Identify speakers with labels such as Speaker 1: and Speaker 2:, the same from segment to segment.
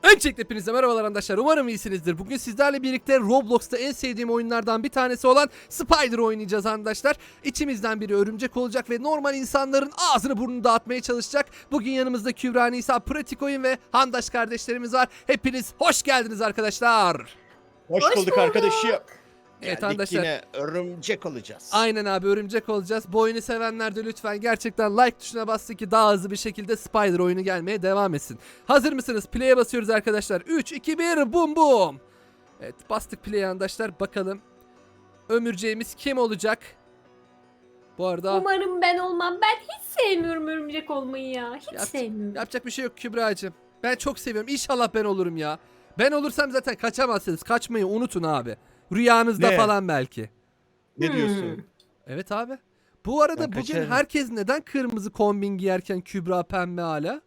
Speaker 1: Öncelikle hepinize merhabalar arkadaşlar. Umarım iyisinizdir. Bugün sizlerle birlikte Roblox'ta en sevdiğim oyunlardan bir tanesi olan Spider oynayacağız arkadaşlar. İçimizden biri örümcek olacak ve normal insanların ağzını burnunu dağıtmaya çalışacak. Bugün yanımızda Kübra, Nisa, Pratik Oyun ve Handaş kardeşlerimiz var. Hepiniz hoş geldiniz arkadaşlar.
Speaker 2: Hoş bulduk arkadaşım.
Speaker 1: Evet
Speaker 2: Geldik
Speaker 1: arkadaşlar.
Speaker 2: yine örümcek olacağız.
Speaker 1: Aynen abi, örümcek olacağız. Bu oyunu sevenler de lütfen gerçekten like tuşuna bastı ki daha hızlı bir şekilde Spider oyunu gelmeye devam etsin. Hazır mısınız? Play'e basıyoruz arkadaşlar. 3, 2, 1, bum bum. Evet, bastık play'e arkadaşlar. Bakalım ömürceğimiz kim olacak? Bu arada
Speaker 3: Umarım ben olmam. Ben hiç sevmiyorum örümcek olmayı ya. Hiç sevmiyorum.
Speaker 1: yapacak bir şey yok Kübra'cığım. Ben çok seviyorum. İnşallah ben olurum ya. Ben olursam zaten kaçamazsınız. Kaçmayı unutun abi. Rüyanızda
Speaker 2: Ne?
Speaker 1: falan belki.
Speaker 2: Ne diyorsun?
Speaker 1: Evet abi. Bu arada
Speaker 2: Ben
Speaker 1: bugün
Speaker 2: kaçarım.
Speaker 1: herkes neden kırmızı kombin giyerken Kübra pembe hala?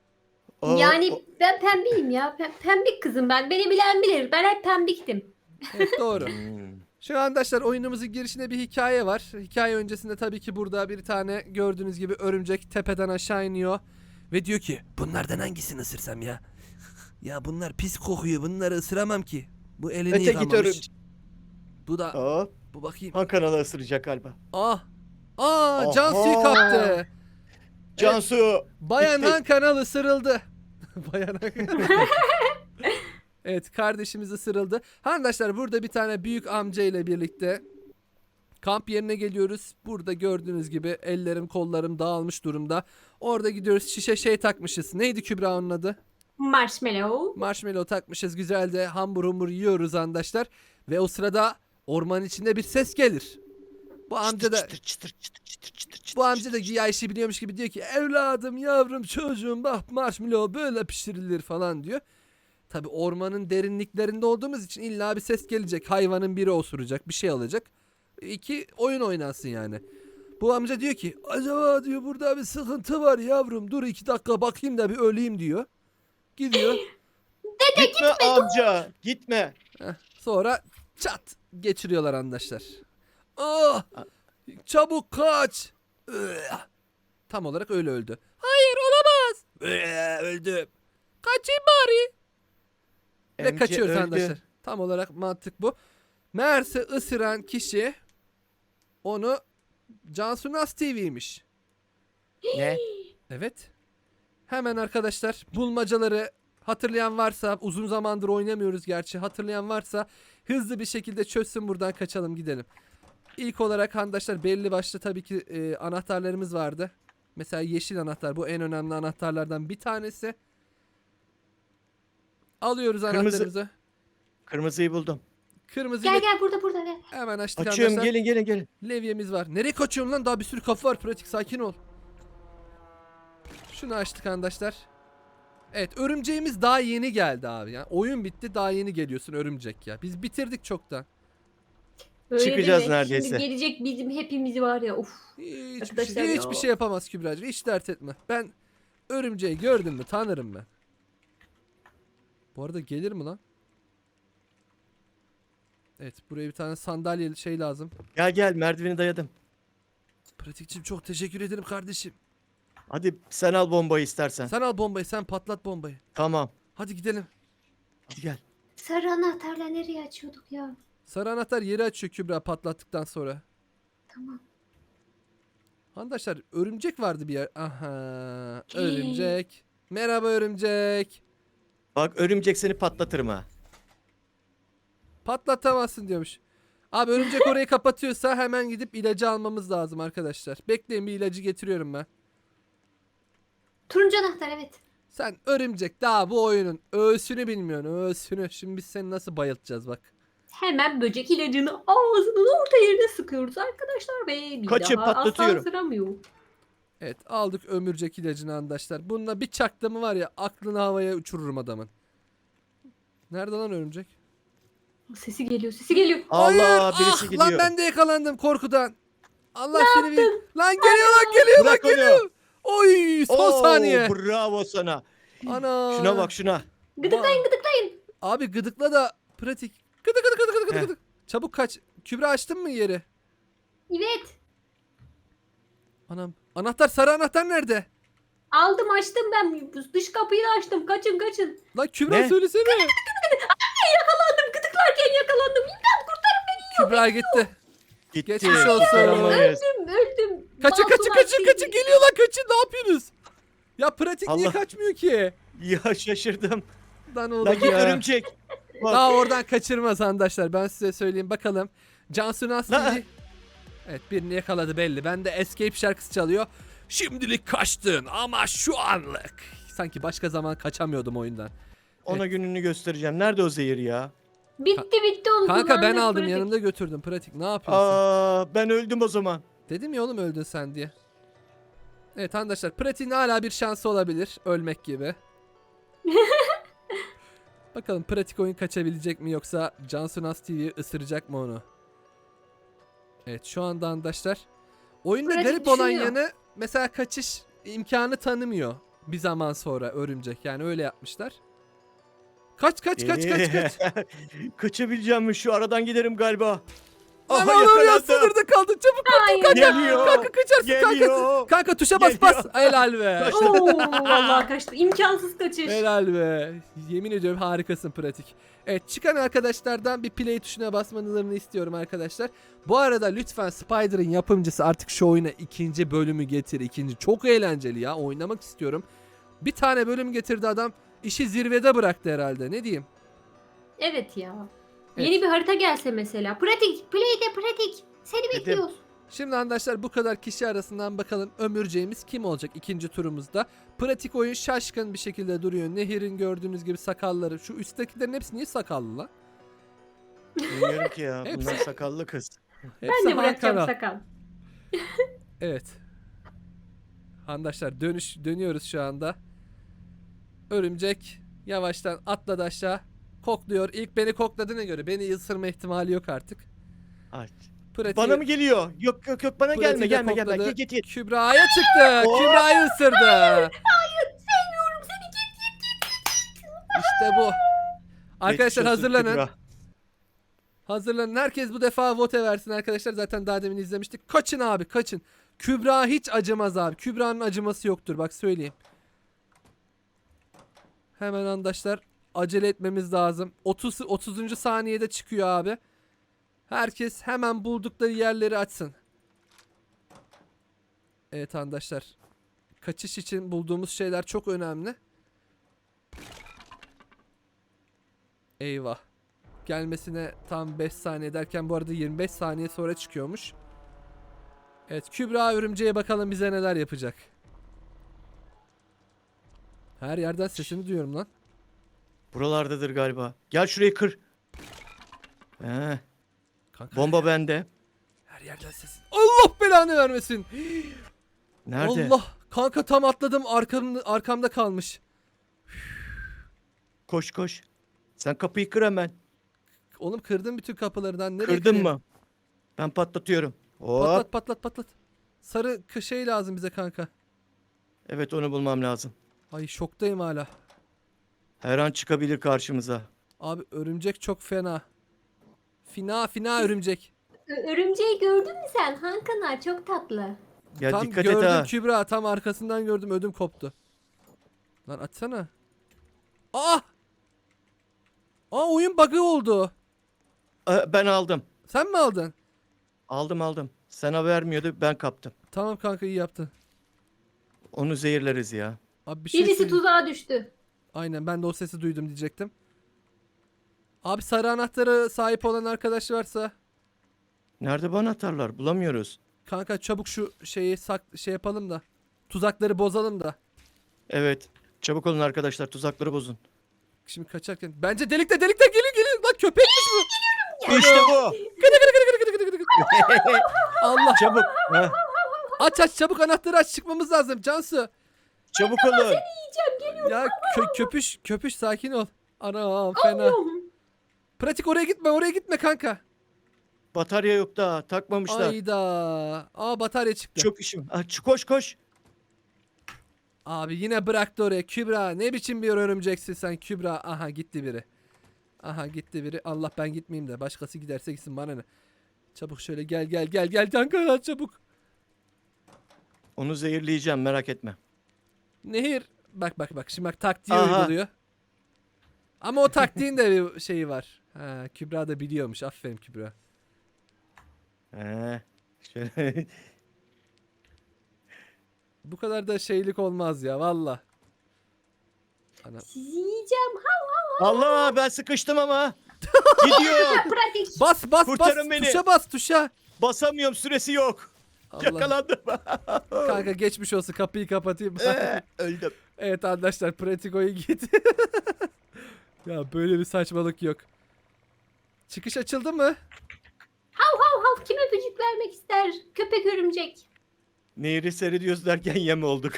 Speaker 3: Yani ben pembeyim ya. Pembik kızım ben. Beni bilen bilir. Ben hep pembiktim.
Speaker 1: Evet, doğru.
Speaker 2: Hmm.
Speaker 1: Şu arkadaşlar oyunumuzun girişinde bir hikaye var. Hikaye öncesinde tabii ki burada bir tane gördüğünüz gibi örümcek tepeden aşağı iniyor. Ve diyor ki bunlardan hangisini ısırsam ya? Ya bunlar pis kokuyor, bunları ısıramam ki. Bu elini
Speaker 2: Öte git
Speaker 1: yıkamamış.
Speaker 2: örümcek.
Speaker 1: Bu da
Speaker 2: Hop.
Speaker 1: bu bakayım.
Speaker 2: Han kanalı ısıracak galiba.
Speaker 1: Ah.
Speaker 2: Oha.
Speaker 1: Cansu'yu kaptı.
Speaker 2: Cansu.
Speaker 1: Bayan
Speaker 2: gitti.
Speaker 1: Han kanalı ısırıldı. Bayan Han kanalı. Evet, kardeşimiz ısırıldı. Arkadaşlar burada bir tane büyük amca ile birlikte kamp yerine geliyoruz. Burada gördüğünüz gibi ellerim kollarım dağılmış durumda. Orada gidiyoruz, şişe şey takmışız. Neydi Kübra onun adı?
Speaker 3: Marshmallow.
Speaker 1: Marshmallow takmışız. Güzel de hambur humbur yiyoruz arkadaşlar. Ve o sırada ormanın içinde bir ses gelir. Bu amca da
Speaker 2: Çıtır çıtır çıtır çıtır çıtır çıtır.
Speaker 1: bu amca da güya işi biliyormuş gibi diyor ki evladım, yavrum, çocuğum, bak marshmallow böyle pişirilir falan diyor. Tabi ormanın derinliklerinde olduğumuz için illa bir ses gelecek. Hayvanın biri osuracak, bir şey alacak. İki oyun oynansın yani. Bu amca diyor ki acaba diyor burada bir sıkıntı var yavrum, dur 2 dakika bakayım da bir öleyim diyor. Gidiyor.
Speaker 2: Gitme amca. Gitme.
Speaker 1: Sonra çat geçiriyorlar arkadaşlar. Ah, çabuk kaç. Tam olarak öyle öldü. Hayır, olamaz. Öldüm. Kaçayım bari. Ve
Speaker 2: Amca
Speaker 1: kaçıyoruz
Speaker 2: öldü.
Speaker 1: arkadaşlar. Tam olarak mantık bu. Meğerse ısıran kişi onu Cansu Nas TV'ymiş.
Speaker 2: Ne?
Speaker 1: Evet. Hemen arkadaşlar bulmacaları hatırlayan varsa, uzun zamandır oynamıyoruz gerçi, hatırlayan varsa hızlı bir şekilde çözsün, buradan kaçalım gidelim. İlk olarak arkadaşlar belli başlı tabii ki anahtarlarımız vardı. Mesela yeşil anahtar, bu en önemli anahtarlardan bir tanesi. Alıyoruz
Speaker 2: Kırmızı.
Speaker 1: anahtarımızı.
Speaker 2: Kırmızıyı buldum.
Speaker 1: Kırmızı
Speaker 3: Gel gel burada gel.
Speaker 1: hemen açtık
Speaker 2: Açıyorum,
Speaker 1: arkadaşlar.
Speaker 2: gelin.
Speaker 1: Levyemiz var. Nereye kaçıyorsun lan? Daha bir sürü kapı var. Pratik, sakin ol. Şunu açtık arkadaşlar. Evet, örümceğimiz daha yeni geldi abi. Yani oyun bitti, daha yeni geliyorsun örümcek ya. Biz bitirdik çoktan.
Speaker 3: Öyle
Speaker 2: Çıkacağız
Speaker 3: deme.
Speaker 2: neredeyse.
Speaker 3: Şimdi gelecek bizim hepimiz var ya. Uf. Arkadaşlar ya.
Speaker 1: Hiçbir şey yapamaz Kübra'cığım. Hiç dert etme. Ben örümceği gördüm mü tanırım ben. Bu arada gelir mi lan? Evet, buraya bir tane sandalye şey lazım.
Speaker 2: Gel merdiveni dayadım.
Speaker 1: Pratikçim çok teşekkür ederim kardeşim.
Speaker 2: Hadi sen al bombayı istersen.
Speaker 1: Sen al bombayı, sen patlat bombayı.
Speaker 2: Tamam.
Speaker 1: Hadi gidelim.
Speaker 2: Hadi gel.
Speaker 3: Sarı anahtarla nereye açıyorduk ya?
Speaker 1: Sarı anahtar yeri açıyor Kübra patlattıktan sonra.
Speaker 3: Tamam.
Speaker 1: Arkadaşlar örümcek vardı bir yer. Aha, örümcek. Merhaba örümcek.
Speaker 2: Bak örümcek seni patlatırım ha.
Speaker 1: Patlatamazsın diyormuş. Abi örümcek orayı kapatıyorsa hemen gidip ilacı almamız lazım arkadaşlar. Bekleyin, bir ilacı getiriyorum ben.
Speaker 3: Turuncu anahtar evet.
Speaker 1: Sen örümcek daha bu oyunun öğsünü bilmiyorsun, öğsünü. Şimdi biz seni nasıl bayıltacağız bak.
Speaker 3: Hemen böcek ilacını ağzının orta yerine sıkıyoruz arkadaşlar ve bir
Speaker 2: Kaçın,
Speaker 3: daha asla
Speaker 2: patlatıyorum.
Speaker 3: ısıramıyor.
Speaker 1: Evet, aldık ömürcek ilacını arkadaşlar. Bununla bir çaktığımı var ya, aklını havaya uçururum adamın. Nerede lan örümcek?
Speaker 3: Sesi geliyor.
Speaker 2: Allah,
Speaker 1: Hayır,
Speaker 2: birisi gidiyor.
Speaker 1: Lan ben de yakalandım korkudan. Allah seni bir... Lan geliyor
Speaker 2: Bırak onu.
Speaker 1: geliyor. Oy, son
Speaker 2: Oo,
Speaker 1: saniye.
Speaker 2: Bravo sana.
Speaker 1: Ana.
Speaker 2: Şuna bak şuna.
Speaker 3: Gıdıklayın.
Speaker 1: Abi gıdıkla da pratik. Gıdık.
Speaker 2: Heh.
Speaker 1: Çabuk kaç. Kübra, açtın mı yeri?
Speaker 3: Evet.
Speaker 1: Anam. Anahtar, sarı anahtar nerede?
Speaker 3: Aldım açtım ben. Dış kapıyı da açtım. Kaçın kaçın.
Speaker 1: Lan Kübra
Speaker 2: Ne?
Speaker 1: söylesene.
Speaker 3: Yakalandım. Gıdıklarken yakalandım.
Speaker 1: Kübra gitti.
Speaker 2: Gitti.
Speaker 1: Geçmiş olsun.
Speaker 2: kurtaramayız.
Speaker 3: Öldüm.
Speaker 1: Kaçın kaçın
Speaker 3: Masular
Speaker 1: kaçın
Speaker 3: sizi.
Speaker 1: kaçın. Geliyor lan kaçın. Ne yapıyorsunuz? Ya pratik niye
Speaker 2: Allah.
Speaker 1: kaçmıyor ki?
Speaker 2: Ya şaşırdım.
Speaker 1: Lan oğlum
Speaker 2: Lan git
Speaker 1: ya.
Speaker 2: örümcek. Bak.
Speaker 1: Daha oradan kaçırmaz arkadaşlar. Ben size söyleyeyim bakalım. Cansu nasıl
Speaker 2: Lan.
Speaker 1: biri? Evet birini yakaladı belli. Ben de Escape şarkısı çalıyor. Şimdilik kaçtın ama şu anlık. Sanki başka zaman kaçamıyordum oyundan.
Speaker 2: Ona gününü göstereceğim. Nerede o zehir ya?
Speaker 3: Bitti onu
Speaker 1: Kanka ben
Speaker 3: kullandım,
Speaker 1: aldım
Speaker 3: pratik.
Speaker 1: yanımda götürdüm. Pratik ne yapıyorsun?
Speaker 2: Ben öldüm o zaman.
Speaker 1: Dedim ya oğlum öldün sen diye. Evet arkadaşlar Pratik'in hala bir şansı olabilir. Ölmek gibi. Bakalım Pratik oyun kaçabilecek mi yoksa Cansu Nas TV ısıracak mı onu? Evet şu anda arkadaşlar. Oyunda
Speaker 3: Pratik
Speaker 1: garip olan
Speaker 3: düşünüyor.
Speaker 1: yanı mesela kaçış imkanı tanımıyor bir zaman sonra örümcek. Yani öyle yapmışlar. Kaç.
Speaker 2: Kaçabileceğim mi? Şu aradan giderim galiba.
Speaker 1: Lan
Speaker 2: Aha
Speaker 1: oğlum ya
Speaker 2: yakalandım.
Speaker 1: sınırda kaldın. Çabuk
Speaker 3: Hayır.
Speaker 2: Geliyor.
Speaker 1: kanka kaçarsın kanka.
Speaker 2: Geliyor.
Speaker 1: Kanka tuşa bas
Speaker 2: Geliyor.
Speaker 1: bas. Helal be.
Speaker 3: Oo, vallahi kaçtı. İmkansız kaçış.
Speaker 1: Helal be. Yemin ediyorum harikasın pratik. Evet çıkan arkadaşlardan bir play tuşuna basmanızı istiyorum arkadaşlar. Bu arada lütfen Spider'ın yapımcısı artık şu oyuna ikinci bölümü getir. İkinci çok eğlenceli ya. Oynamak istiyorum. Bir tane bölüm getirdi adam. İşi zirvede bıraktı herhalde. Ne diyeyim?
Speaker 3: Evet ya.
Speaker 1: Evet.
Speaker 3: Yeni bir harita gelse mesela. Pratik. Play'de pratik. Seni
Speaker 2: Dedim.
Speaker 3: bekliyoruz.
Speaker 1: Şimdi arkadaşlar bu kadar kişi arasından bakalım ömürceğimiz kim olacak ikinci turumuzda. Pratik oyun şaşkın bir şekilde duruyor. Nehir'in gördüğünüz gibi sakalları. Şu üsttekilerin hepsi niye sakallı lan?
Speaker 2: Bilmiyorum ki ya.
Speaker 1: Hepsi-
Speaker 2: Bunlar sakallı kız.
Speaker 1: Hepsi
Speaker 3: Ben de bırakacağım
Speaker 1: Hakan'a.
Speaker 3: sakal.
Speaker 1: Evet. Arkadaşlar dönüyoruz şu anda. Örümcek yavaştan atladı aşağı. Kokluyor. İlk beni kokladığına göre beni ısırma ihtimali yok artık.
Speaker 2: Ay.
Speaker 1: Pratik,
Speaker 2: Bana mı geliyor? Yok bana
Speaker 1: pratiği
Speaker 2: gelme
Speaker 1: de
Speaker 2: gelme
Speaker 1: kokladı.
Speaker 2: git.
Speaker 1: Kübra'ya çıktı.
Speaker 2: Oh!
Speaker 1: Kübra'yı ısırdı.
Speaker 3: Sevmiyorum seni.
Speaker 1: İşte bu. Arkadaşlar
Speaker 2: Geçmiş olsun
Speaker 1: hazırlanın.
Speaker 2: Kübra.
Speaker 1: Hazırlanın. Herkes bu defa vote versin arkadaşlar. Zaten daha demin izlemiştik. Kaçın abi kaçın. Kübra hiç acımaz abi. Kübra'nın acıması yoktur. Bak söyleyeyim. Hemen arkadaşlar acele etmemiz lazım. 30. saniyede çıkıyor abi. Herkes hemen buldukları yerleri açsın. Evet arkadaşlar. Kaçış için bulduğumuz şeyler çok önemli. Eyvah. Gelmesine tam 5 saniye derken bu arada 25 saniye sonra çıkıyormuş. Evet Kübra örümceğe bakalım bize neler yapacak. Her yerden sesini duyuyorum lan.
Speaker 2: Buralardadır galiba. Gel şurayı kır. He,
Speaker 1: Kanka,
Speaker 2: bomba bende.
Speaker 1: her yerden sesin. Allah belanı vermesin.
Speaker 2: Nerede?
Speaker 1: Allah. Kanka tam atladım arkamda kalmış.
Speaker 2: Koş. Sen kapıyı kır hemen.
Speaker 1: Oğlum kırdım bütün kapılarından. Nereye
Speaker 2: Kırdın
Speaker 1: kırayım?
Speaker 2: mı? Ben patlatıyorum. Hop.
Speaker 1: Patlat. Sarı şey lazım bize kanka.
Speaker 2: Evet onu bulmam lazım.
Speaker 1: Ay şoktayım hala.
Speaker 2: Her an çıkabilir karşımıza.
Speaker 1: Abi örümcek çok fena. Fina örümcek.
Speaker 3: Örümceği gördün mü sen? Hakan'a çok tatlı.
Speaker 2: Ya
Speaker 1: Tam
Speaker 2: dikkat
Speaker 1: gördüm
Speaker 2: et ha.
Speaker 1: Kübra tam arkasından gördüm ödüm koptu. Lan açsana. Aa! Oyun bug'ı oldu.
Speaker 2: Ben aldım.
Speaker 1: Sen mi aldın?
Speaker 2: Aldım. Sana vermiyordu ben kaptım.
Speaker 1: Tamam kanka iyi yaptın.
Speaker 2: Onu zehirleriz ya.
Speaker 1: Abi bir şey
Speaker 3: Birisi
Speaker 1: söyleyeyim.
Speaker 3: tuzağa düştü.
Speaker 1: Aynen ben de o sesi duydum diyecektim. Abi sarı anahtara sahip olan arkadaş varsa
Speaker 2: Nerede bana atarlar? Bulamıyoruz.
Speaker 1: kanka çabuk şu şeyi şey yapalım da tuzakları bozalım da.
Speaker 2: Evet. Çabuk olun arkadaşlar tuzakları bozun.
Speaker 1: Şimdi kaçarken bence delikte gelin lan köpekmiş bu.
Speaker 2: İşte bu.
Speaker 1: Allah
Speaker 2: Çabuk. Heh,
Speaker 1: aç çabuk anahtarı aç çıkmamız lazım Cansu.
Speaker 2: çabuk olun.
Speaker 1: Ya köpüş sakin ol. Anam fena.
Speaker 3: Allah'ım.
Speaker 1: Pratik oraya gitme kanka.
Speaker 2: Batarya yok daha. Takmamışlar.
Speaker 1: Ayda. Batarya çıktı.
Speaker 2: Çok işim. Koş.
Speaker 1: Abi yine bıraktı oraya. Kübra ne biçim bir örümceksin sen Kübra. Aha gitti biri. Allah ben gitmeyeyim de başkası giderse gitsin bana ne. Çabuk şöyle gel kanka çabuk.
Speaker 2: Onu zehirleyeceğim merak etme.
Speaker 1: Nehir bak şimdi bak taktiği
Speaker 2: Aha.
Speaker 1: uyguluyor. Ama o taktiğin de bir şeyi var. Ha, Kübra da biliyormuş. Aferin Kübra.
Speaker 2: Şöyle.
Speaker 1: Bu kadar da şeylik olmaz ya valla. Ana.
Speaker 3: Sizi yiyeceğim.
Speaker 2: Allah, ben sıkıştım ama. Gidiyor.
Speaker 3: Pratik.
Speaker 1: Bas
Speaker 2: Kurtarın beni.
Speaker 1: tuşa bas tuşa.
Speaker 2: Basamıyorum, süresi yok.
Speaker 1: Allah.
Speaker 2: Yakalandım.
Speaker 1: Kanka geçmiş olsun, kapıyı kapatayım.
Speaker 2: Öldüm.
Speaker 1: Evet arkadaşlar, pratik oyun gitti. Ya böyle bir saçmalık yok. Çıkış açıldı mı?
Speaker 3: Hav kim öpücük vermek ister? Köpek örümcek.
Speaker 2: Nehri seyrediyoruz derken yem olduk.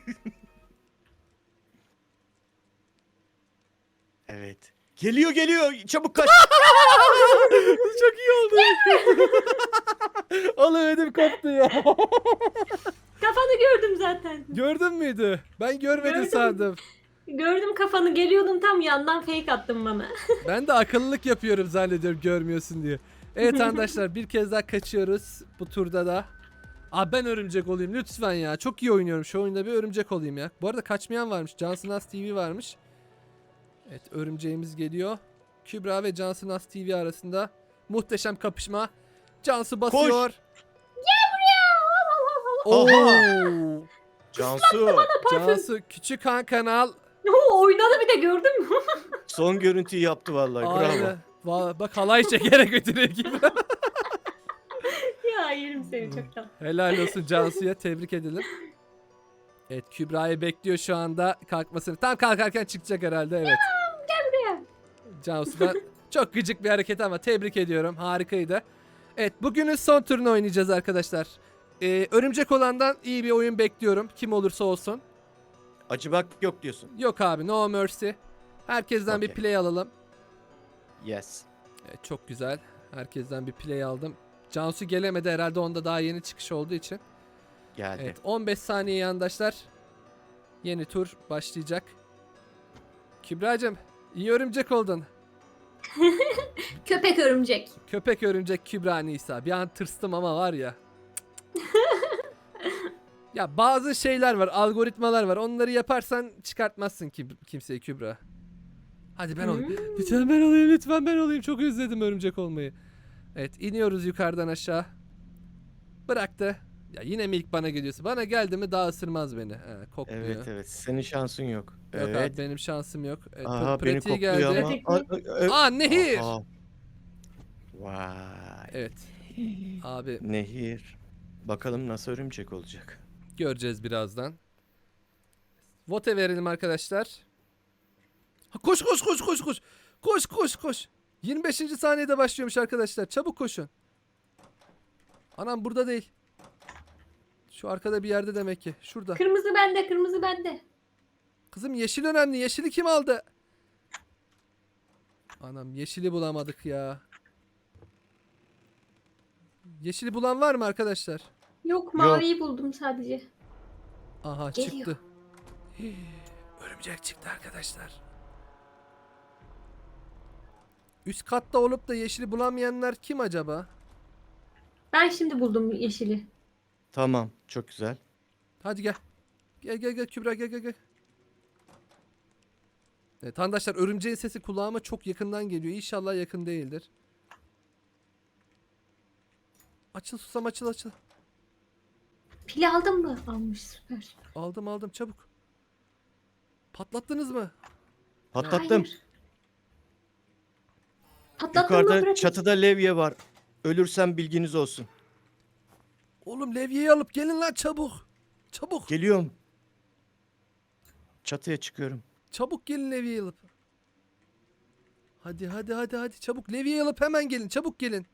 Speaker 2: Evet. Geliyor. Çabuk kaç.
Speaker 1: Çok iyi oldu. Oğlum ödüm koptu ya.
Speaker 3: Kafanı gördüm zaten.
Speaker 1: Gördün müydü? Ben görmedim
Speaker 3: Gördüm.
Speaker 1: sandım.
Speaker 3: Gördüm kafanı, geliyordum tam yandan fake attın bana.
Speaker 1: Ben de akıllılık yapıyorum zannediyorum görmüyorsun diye. Evet arkadaşlar, bir kez daha kaçıyoruz bu turda da. Abi ben örümcek olayım lütfen ya. Çok iyi oynuyorum şu oyunda, bir örümcek olayım ya. Bu arada kaçmayan varmış. Cansın As TV varmış. Evet, örümceğimiz geliyor. Kübra ve Cansın As TV arasında muhteşem kapışma. Cansu basıyor.
Speaker 3: Gel buraya.
Speaker 1: Oo.
Speaker 2: Cansu.
Speaker 1: Cansu küçük han kanal.
Speaker 3: Oynadı bir de, gördün mü?
Speaker 2: Son görüntüyü yaptı vallahi. Bravo.
Speaker 1: Aynen. Bak halay çekerek götürüyor gibi.
Speaker 3: Ya yerim seni çoktan.
Speaker 1: Helal olsun Cansu'ya, tebrik edelim. Evet, Kübra'yı bekliyor şu anda kalkmasını. Tam kalkarken çıkacak herhalde, evet.
Speaker 3: Gel buraya.
Speaker 1: Cansu'dan çok gıcık bir hareket ama tebrik ediyorum, harikaydı. Evet, bugünün son turunu oynayacağız arkadaşlar. Örümcek olandan iyi bir oyun bekliyorum, kim olursa olsun.
Speaker 2: Acıbak yok diyorsun.
Speaker 1: Yok abi, no mercy. Herkesten bir
Speaker 2: Okey.
Speaker 1: play alalım.
Speaker 2: Yes.
Speaker 1: Evet, çok güzel. Herkesten bir play aldım. Cansu gelemedi herhalde, onda daha yeni çıkış olduğu için.
Speaker 2: Geldi.
Speaker 1: Evet, 15 saniye yandaşlar. Yeni tur başlayacak. Kübra'cığım iyi örümcek oldun.
Speaker 3: Köpek örümcek.
Speaker 1: Köpek örümcek Kübra Nisa. Bir an tırstım ama var ya. Ya bazı şeyler var, algoritmalar var. Onları yaparsan çıkartmazsın kimseyi Kübra. Hadi ben olayım. Lütfen ben olayım, lütfen ben olayım. Çok özledim örümcek olmayı. Evet, iniyoruz yukarıdan aşağı. Bıraktı. Ya yine mi ilk bana geliyorsun? Bana geldi mi daha ısırmaz beni. Kokluyor.
Speaker 2: Evet. Senin şansın yok.
Speaker 1: Yok
Speaker 2: Evet.
Speaker 1: abi, benim şansım yok. Evet,
Speaker 2: Aha, beni
Speaker 1: pratiği
Speaker 2: kokluyor
Speaker 1: geldi.
Speaker 2: ama.
Speaker 1: Aa, Nehir.
Speaker 2: Aha. Vay.
Speaker 1: Evet. Abi
Speaker 2: Nehir. Bakalım nasıl örümcek olacak.
Speaker 1: göreceğiz birazdan. Vote verelim arkadaşlar. Ha, koş. Koş. 25. saniyede başlıyormuş arkadaşlar. Çabuk koşun. Anam burada değil. Şu arkada bir yerde demek ki. Şurada.
Speaker 3: Kırmızı bende, kırmızı bende.
Speaker 1: Kızım yeşil önemli. Yeşili kim aldı? Anam yeşili bulamadık ya. Yeşili bulan var mı arkadaşlar?
Speaker 3: Yok, maviyi buldum sadece.
Speaker 1: Aha
Speaker 3: Geliyor.
Speaker 1: çıktı. Örümcek çıktı arkadaşlar. Üst katta olup da yeşili bulamayanlar kim acaba?
Speaker 3: Ben şimdi buldum yeşili.
Speaker 2: Tamam. Çok güzel.
Speaker 1: Hadi gel. Gel Kübra gel. Evet arkadaşlar, örümceğin sesi kulağıma çok yakından geliyor. İnşallah yakın değildir. Açıl susam, açıl.
Speaker 3: Pili aldın mı? Almış, süper.
Speaker 1: Aldım çabuk. Patlattınız mı?
Speaker 2: Patlattım.
Speaker 3: Hayır. Patlattın mı?
Speaker 2: Yukarıda
Speaker 3: Pratik?
Speaker 2: çatıda levye var. Ölürsem bilginiz olsun.
Speaker 1: Oğlum levyeyi alıp gelin lan çabuk. Çabuk.
Speaker 2: Geliyorum. Çatıya çıkıyorum.
Speaker 1: Çabuk gelin levyeyi alıp. Hadi çabuk levyeyi alıp hemen gelin. Çabuk gelin.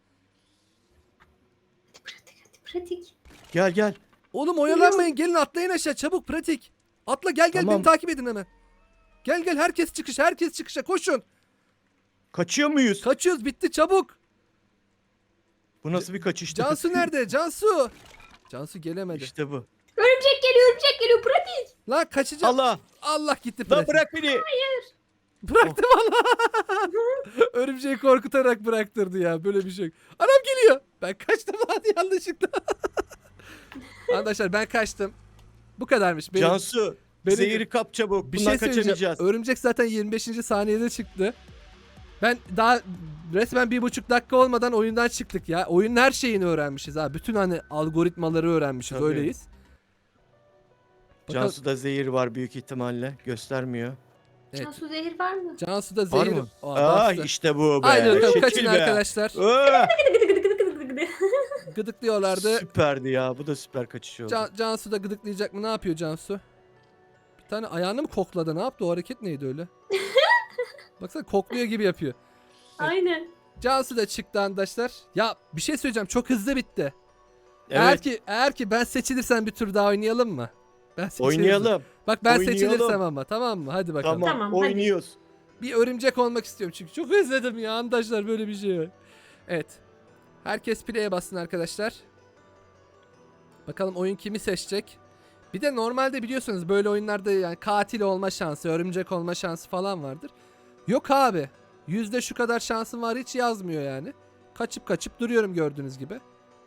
Speaker 3: Hadi pratik.
Speaker 2: Gel.
Speaker 1: Oğlum oyalanmayın, gelin atlayın aşağı çabuk, pratik. Atla gel
Speaker 2: Tamam.
Speaker 1: beni takip edin hemen. Gel herkes çıkışa koşun.
Speaker 2: Kaçıyor muyuz?
Speaker 1: Kaçıyoruz, bitti çabuk.
Speaker 2: Bu nasıl bir kaçıştı?
Speaker 1: Cansu nerede? Cansu. Cansu gelemedi.
Speaker 2: İşte bu.
Speaker 3: Örümcek geliyor pratik.
Speaker 1: Lan kaçacağım.
Speaker 2: Allah!
Speaker 1: Allah gitti
Speaker 2: Lan
Speaker 1: pratik.
Speaker 2: bırak beni!
Speaker 1: Bıraktım Allah. Örümceği korkutarak bıraktırdı ya, böyle bir şey yok. Anam geliyor. Ben kaçtım hadi yanlışlıkla. Arkadaşlar ben kaçtım. Bu kadarmış.
Speaker 2: Cansu! Zehiri kap çabuk.
Speaker 1: Bir
Speaker 2: Bundan
Speaker 1: şey söyleyeceğim.
Speaker 2: kaçamayacağız.
Speaker 1: Örümcek zaten 25. saniyede çıktı. Ben daha resmen 1,5 dakika olmadan oyundan çıktık ya. Oyunun her şeyini öğrenmişiz ha. Bütün hani algoritmaları öğrenmişiz.
Speaker 2: Tabii.
Speaker 1: Öyleyiz. Bakalım-
Speaker 2: Cansu'da zehir var büyük ihtimalle. Göstermiyor.
Speaker 1: Evet.
Speaker 3: Cansu zehir var mı?
Speaker 1: Cansu'da
Speaker 2: Var
Speaker 1: zehir.
Speaker 2: mı?
Speaker 1: Aa,
Speaker 2: Aa
Speaker 1: bastı.
Speaker 2: işte bu be.
Speaker 1: Haydi bakalım
Speaker 2: Şekil
Speaker 1: kaçın
Speaker 2: be.
Speaker 1: arkadaşlar.
Speaker 2: Aa,
Speaker 1: Gıdıklıyorlardı.
Speaker 2: süperdi ya. Bu da süper kaçış oldu.
Speaker 1: Cansu da gıdıklayacak mı? Ne yapıyor Cansu? Bir tane ayağını mı kokladı? Ne yaptı? O hareket neydi öyle? Baksana kokluyor gibi yapıyor.
Speaker 3: Aynen.
Speaker 1: Cansu da çıktı arkadaşlar. Ya bir şey söyleyeceğim. Çok hızlı bitti.
Speaker 2: Evet.
Speaker 1: Eğer ki ben seçilirsem bir tur daha oynayalım mı? Ben seçilirsem.
Speaker 2: Oynayalım.
Speaker 1: Bak ben
Speaker 2: Oynayalım.
Speaker 1: seçilirsem ama tamam mı? Hadi bakalım.
Speaker 2: Tamam,
Speaker 3: Tamam, hadi.
Speaker 2: oynuyoruz.
Speaker 1: Bir örümcek olmak istiyorum çünkü çok özledim ya arkadaşlar böyle bir şey. Evet. Herkes play'e bassın arkadaşlar. Bakalım oyun kimi seçecek. Bir de normalde biliyorsunuz böyle oyunlarda yani katil olma şansı, örümcek olma şansı falan vardır. Yok abi. Yüzde şu kadar şansım var hiç yazmıyor yani. Kaçıp duruyorum gördüğünüz gibi.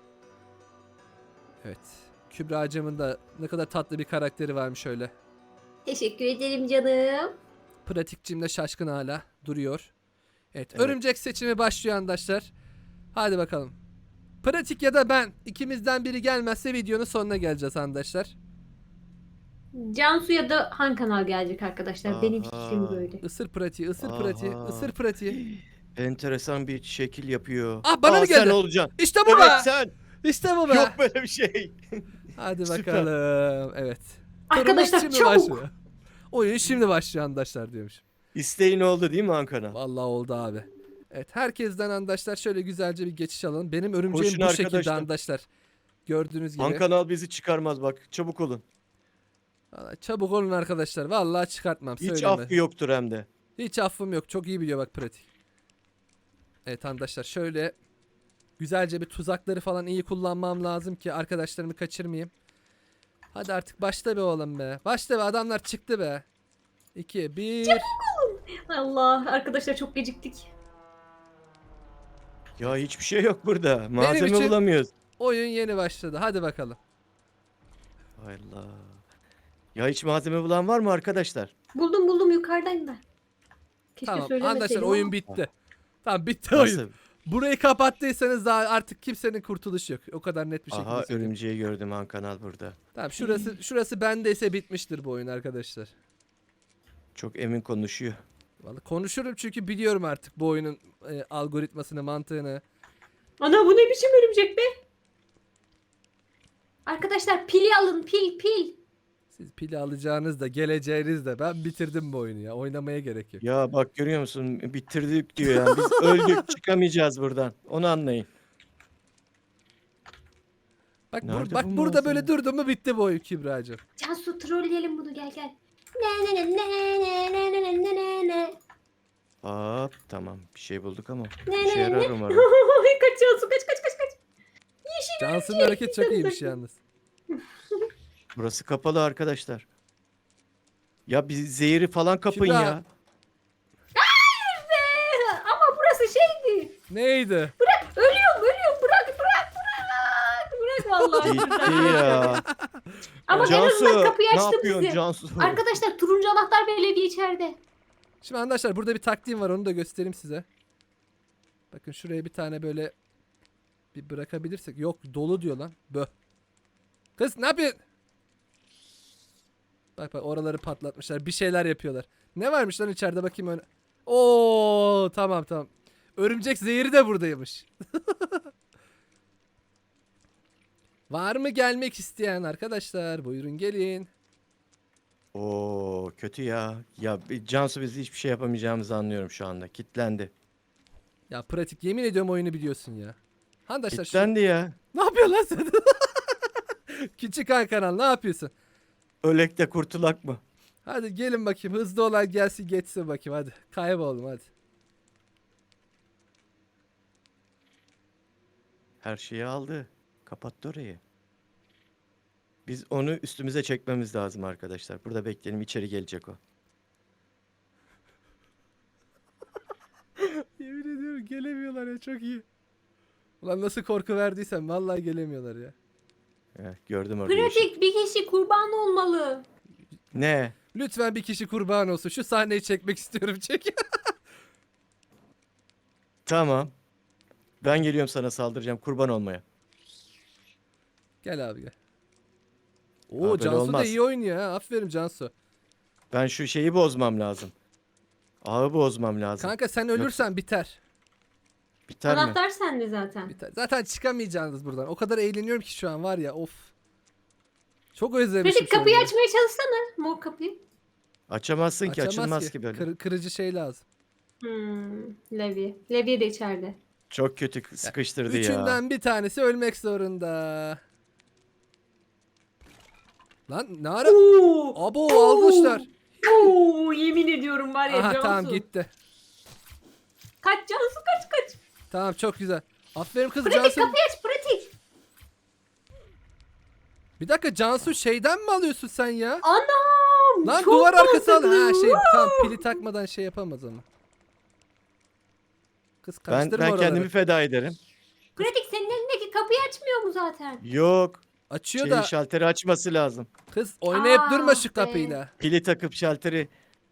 Speaker 1: Evet. Kübra'cığımın da ne kadar tatlı bir karakteri varmış öyle.
Speaker 3: Teşekkür ederim canım.
Speaker 1: Pratikçim de şaşkın hala duruyor. Evet,
Speaker 2: Evet.
Speaker 1: örümcek seçimi başlıyor arkadaşlar. Hadi bakalım. Pratik ya da ben ikimizden biri gelmezse videonun sonuna geleceğiz arkadaşlar.
Speaker 3: Cansu ya da Han Kanal gelecek arkadaşlar. Benim
Speaker 2: Aha.
Speaker 3: fikrim böyle.
Speaker 1: Isır pratiği, ısır
Speaker 2: Aha.
Speaker 1: pratiği, ısır pratiği.
Speaker 2: Enteresan bir şekil yapıyor.
Speaker 1: Ah, bana mı geldi?
Speaker 2: Sen olacaksın.
Speaker 1: İşte bu
Speaker 2: Evet
Speaker 1: be.
Speaker 2: sen.
Speaker 1: İşte bu be.
Speaker 2: Yok böyle bir şey.
Speaker 1: Hadi
Speaker 2: Süper.
Speaker 1: bakalım. Evet.
Speaker 3: Arkadaşlar,
Speaker 1: Turumuz şimdi
Speaker 3: çabuk.
Speaker 1: başlıyor. Oyun şimdi başlıyor arkadaşlar diyormuş.
Speaker 2: İsteğin oldu değil mi Ankara?
Speaker 1: Vallahi oldu abi. Evet, herkesten arkadaşlar şöyle güzelce bir geçiş alalım. Benim örümceğim
Speaker 2: Koşun
Speaker 1: bu şekilde
Speaker 2: arkadaşlar.
Speaker 1: arkadaşlar. Gördüğünüz gibi.
Speaker 2: Ankanal bizi çıkarmaz bak. Çabuk olun.
Speaker 1: Vallahi çabuk olun arkadaşlar. Vallahi çıkartmam.
Speaker 2: Hiç
Speaker 1: Söyleme.
Speaker 2: affı yoktur hem de.
Speaker 1: Hiç affım yok. Çok iyi biliyor bak pratik. Evet arkadaşlar şöyle güzelce bir tuzakları falan iyi kullanmam lazım ki arkadaşlarımı kaçırmayayım. Hadi artık başla be oğlum be. Başla be, adamlar çıktı be. 2, 1.
Speaker 3: Allah, arkadaşlar çok geciktik.
Speaker 2: Ya hiçbir şey yok burada. Malzeme
Speaker 1: için-
Speaker 2: bulamıyoruz.
Speaker 1: Oyun yeni başladı. Hadi bakalım.
Speaker 2: Hay Allah. Ya hiç malzeme bulan var mı arkadaşlar?
Speaker 3: Buldum yukarıdayım ben. Keşke
Speaker 1: Tamam
Speaker 3: söylemeseydim
Speaker 1: arkadaşlar
Speaker 3: ama.
Speaker 1: oyun bitti. Tamam bitti oyun.
Speaker 2: Nasıl?
Speaker 1: Burayı kapattıysanız daha artık kimsenin kurtuluşu yok. O kadar net bir şekilde
Speaker 2: Aha
Speaker 1: söyleyeyim.
Speaker 2: örümceği gördüm Ankanal burada.
Speaker 1: Tamam şurası bendeyse bitmiştir bu oyun arkadaşlar.
Speaker 2: Çok emin konuşuyor.
Speaker 1: Vallahi konuşurum çünkü biliyorum artık bu oyunun algoritmasını, mantığını.
Speaker 3: Ana, bu ne biçim örümcek be? Arkadaşlar pili alın, pil.
Speaker 1: Siz pili alacağınız da geleceğiniz de ben bitirdim bu oyunu ya. Oynamaya gerek yok.
Speaker 2: Ya bak görüyor musun? Bitirdik diyor yani. Biz öldük çıkamayacağız buradan. Onu anlayın.
Speaker 1: Bak,
Speaker 2: Nerede
Speaker 1: bak
Speaker 2: bu
Speaker 1: burada
Speaker 2: malzeme?
Speaker 1: böyle durdu mu bitti bu oyun Kübra'cığım.
Speaker 3: Cansu, trolleyelim bunu, gel. Ne.
Speaker 2: Hop tamam bir şey bulduk ama
Speaker 3: Ne,
Speaker 2: işe
Speaker 3: ne,
Speaker 2: yarar
Speaker 3: ne?
Speaker 2: umarım.
Speaker 3: Kaç Cansu, kaç.
Speaker 1: Cansu'nun hareket çok iyiymiş yalnız.
Speaker 2: Burası kapalı arkadaşlar. Ya bir zehiri falan kapın
Speaker 1: Kübra.
Speaker 2: ya.
Speaker 3: Ama burası şeydi.
Speaker 1: Neydi?
Speaker 3: Ölüyorum. Bırak vallahi.
Speaker 2: Gitti ya.
Speaker 3: Ama en
Speaker 2: Cansu
Speaker 3: azından kapıyı
Speaker 2: ne
Speaker 3: açtı
Speaker 2: yapıyorsun
Speaker 3: bizi.
Speaker 2: Cansu?
Speaker 3: Arkadaşlar turuncu anahtar belediye içeride.
Speaker 1: Şimdi arkadaşlar burada bir taktiğim var, onu da göstereyim size. Bakın şuraya bir tane böyle bir bırakabilirsek. Yok, dolu diyor lan. Bö. Kız ne yapıyorsun? Bak oraları patlatmışlar. Bir şeyler yapıyorlar. Ne varmış lan içeride, bakayım öyle. Oo tamam. Örümcek zehri de buradaymış. Var mı gelmek isteyen arkadaşlar? Buyurun gelin.
Speaker 2: Oo kötü ya. Ya Cansu biz hiçbir şey yapamayacağımızı anlıyorum şu anda. Kitlendi.
Speaker 1: Ya pratik, yemin ediyorum oyunu biliyorsun ya. Arkadaşlar
Speaker 2: Kitlendi ya.
Speaker 1: ne yapıyorsun lan sen? Küçük Hakan, ne yapıyorsun?
Speaker 2: Ölek de kurtulak mı?
Speaker 1: Hadi gelin bakayım, hızlı olan gelsin geçsin bakayım, hadi. Kayboldum hadi.
Speaker 2: Her şeyi aldı. Kapattı orayı. Biz onu üstümüze çekmemiz lazım arkadaşlar. Burada bekleyelim, içeri gelecek o.
Speaker 1: Yemin ediyorum gelemiyorlar ya, çok iyi. Ulan nasıl korku verdiysem vallahi gelemiyorlar ya.
Speaker 2: Gördüm orada yeşil.
Speaker 3: Pratik bir kişi kurban olmalı.
Speaker 2: Ne?
Speaker 1: Lütfen bir kişi kurban olsun. Şu sahneyi çekmek istiyorum. Çek.
Speaker 2: Tamam. Ben geliyorum sana saldıracağım kurban olmaya.
Speaker 1: Gel abi gel. Oo
Speaker 2: Abi böyle
Speaker 1: Cansu da
Speaker 2: olmaz.
Speaker 1: iyi oynuyor ha. Aferin Cansu.
Speaker 2: Ben şu şeyi bozmam lazım. Ağı bozmam lazım.
Speaker 1: Kanka sen ölürsen biter.
Speaker 2: Biter mi?
Speaker 3: Anahtar sende zaten.
Speaker 1: Biter. Zaten çıkamayacaksınız buradan. O kadar eğleniyorum ki şu an var ya of. Çok özlemişim
Speaker 3: Pratik kapıyı
Speaker 1: oyunu.
Speaker 3: açmaya çalışsana. Mor kapıyı.
Speaker 2: Açamazsın ki,
Speaker 1: Açamaz
Speaker 2: açılmaz ki böyle.
Speaker 1: Kırıcı şey lazım.
Speaker 3: Levi. Levi de içeride.
Speaker 2: Çok kötü sıkıştırdı ya.
Speaker 1: Üçünden bir tanesi ölmek zorunda. Lan ne ara?
Speaker 3: Oo!
Speaker 1: Abo almışlar.
Speaker 3: Oo, yemin ediyorum var ya
Speaker 1: Aha
Speaker 3: Cansu.
Speaker 1: tamam gitti.
Speaker 3: Kaç Cansu kaç.
Speaker 1: Tamam çok güzel. Aferin kız
Speaker 3: Pratik
Speaker 1: Cansu.
Speaker 3: kapıyı aç pratik.
Speaker 1: Bir dakika Cansu şeyden mi alıyorsun sen ya?
Speaker 3: Anam.
Speaker 1: Lan
Speaker 3: çok
Speaker 1: duvar arkası al.
Speaker 3: mantıklı.
Speaker 1: Ha şey tamam pili takmadan şey yapamaz ama. Kız
Speaker 2: Ben
Speaker 1: kaçtırma oraları.
Speaker 2: kendimi feda ederim.
Speaker 3: Pratik senin elindeki kapıyı açmıyor mu zaten?
Speaker 2: Yok.
Speaker 1: Açıyor
Speaker 2: Şeyi,
Speaker 1: da
Speaker 2: şalteri açması lazım.
Speaker 1: kız oynayıp
Speaker 3: Ah
Speaker 1: durma şu
Speaker 3: be.
Speaker 1: kapıyla.
Speaker 2: Pili takıp şalteri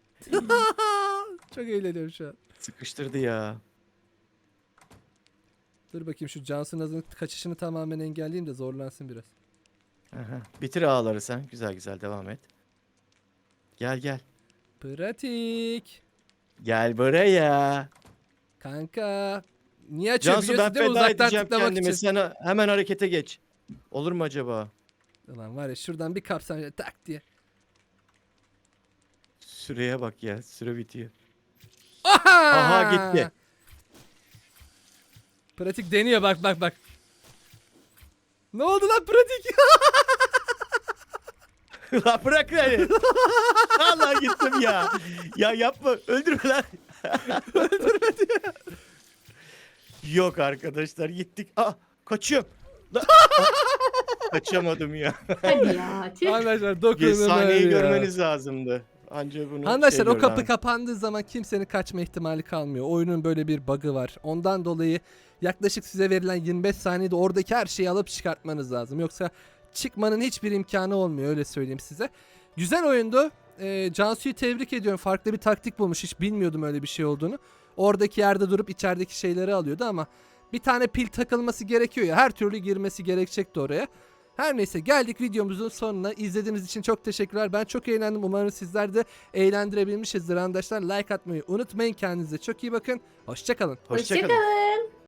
Speaker 1: Çok eğleniyorum şu an.
Speaker 2: sıkıştırdı ya.
Speaker 1: Dur bakayım şu Cansu Naz'ın kaçışını tamamen engelleyeyim de zorlansın biraz.
Speaker 2: Aha. Bitir ağları sen. Güzel güzel devam et. Gel.
Speaker 1: Pratik.
Speaker 2: Gel buraya.
Speaker 1: Kanka. Niye açıyor
Speaker 2: Cansu ben
Speaker 1: biliyorsun değil mi?
Speaker 2: feda
Speaker 1: Uzaktan
Speaker 2: edeceğim
Speaker 1: tıklamak
Speaker 2: kendimi.
Speaker 1: için.
Speaker 2: Sen hemen harekete geç. Olur mu acaba?
Speaker 1: Ulan var ya şuradan bir kapsam şöyle tak diye.
Speaker 2: Süreye bak ya. Süre bitiyor.
Speaker 1: Aha!
Speaker 2: Aha gitti.
Speaker 1: Pratik deniyor bak. Ne oldu lan pratik?
Speaker 2: Lan bırak beni. Allah gittim ya. Ya yapma. Öldürme lan. Öldürme diyor. Yok arkadaşlar gittik. Kaçıyorum. Lan, kaçamadım ya.
Speaker 3: Hadi ya. Tüh.
Speaker 1: Arkadaşlar dokunun
Speaker 2: Sahneyi
Speaker 1: ya.
Speaker 2: görmeniz lazımdı. Anca bunu
Speaker 1: Arkadaşlar o
Speaker 2: gördü
Speaker 1: kapı
Speaker 2: abi.
Speaker 1: kapandığı zaman kimsenin kaçma ihtimali kalmıyor. Oyunun böyle bir bug'ı var. Ondan dolayı yaklaşık size verilen 25 saniyede oradaki her şeyi alıp çıkartmanız lazım. Yoksa çıkmanın hiçbir imkanı olmuyor öyle söyleyeyim size. Güzel oyundu. Cansu'yu tebrik ediyorum. Farklı bir taktik bulmuş. Hiç bilmiyordum öyle bir şey olduğunu. Oradaki yerde durup içerideki şeyleri alıyordu ama bir tane pil takılması gerekiyor ya. Her türlü girmesi gerekecekti oraya. Her neyse geldik videomuzun sonuna. İzlediğiniz için çok teşekkürler. Ben çok eğlendim. Umarım sizler de eğlendirebilmişizdir arkadaşlar. Like atmayı unutmayın. Kendinize çok iyi bakın. Hoşça kalın.
Speaker 2: Hoşça kalın.
Speaker 3: Hoşçakalın.